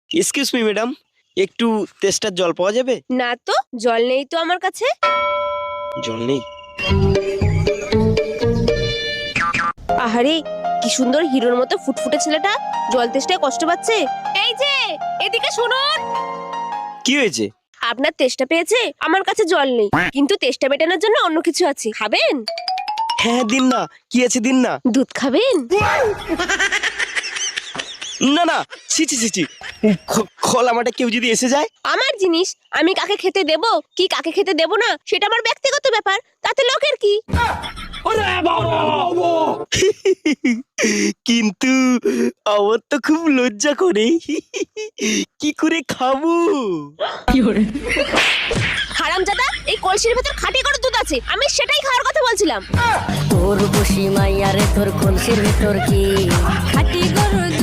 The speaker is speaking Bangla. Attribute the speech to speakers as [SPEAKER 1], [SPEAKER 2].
[SPEAKER 1] এক্সকিউজ মি ম্যাডাম, একটু তেষ্টার জল পাওয়া যাবে?
[SPEAKER 2] না তো, জল নেই তো আমার কাছে।
[SPEAKER 1] জল নেই?
[SPEAKER 2] আহারে, কি সুন্দর হিরোর মতো ফুটফুটে ছেলেটা জল তেষ্টায় কষ্ট পাচ্ছে। এই যে, এদিকে শুনুন।
[SPEAKER 1] কি হয়েছে?
[SPEAKER 2] আপনার তেষ্টা পেয়েছে, আমার কাছে জল নেই, কিন্তু তেষ্টা মেটানোর জন্য অন্য কিছু আছে, খাবেন?
[SPEAKER 1] হ্যাঁ দিন না, কি আছে দিন না।
[SPEAKER 2] দুধ খাবেন?
[SPEAKER 1] না না, ছি ছি ছি ছি, খোলা মাঠে কেউ যদি এসে যায়?
[SPEAKER 2] আমার জিনিস আমি কাকে খেতে দেব কি কাকে খেতে দেব না সেটা আমার ব্যক্তিগত ব্যাপার, তাতে লোকের কি?
[SPEAKER 1] কিন্তু আমার তো খুব লজ্জা করে, কি করে খাবো?
[SPEAKER 2] হারামজাদা, এই কলসির ভেতর খাঁটি করে দুধ আছে, আমি সেটাই খাওয়ার কথা বলছিলাম।
[SPEAKER 3] তোর বসি মাইয়ারে তোর কলসির ভেতর কি খাটি গরু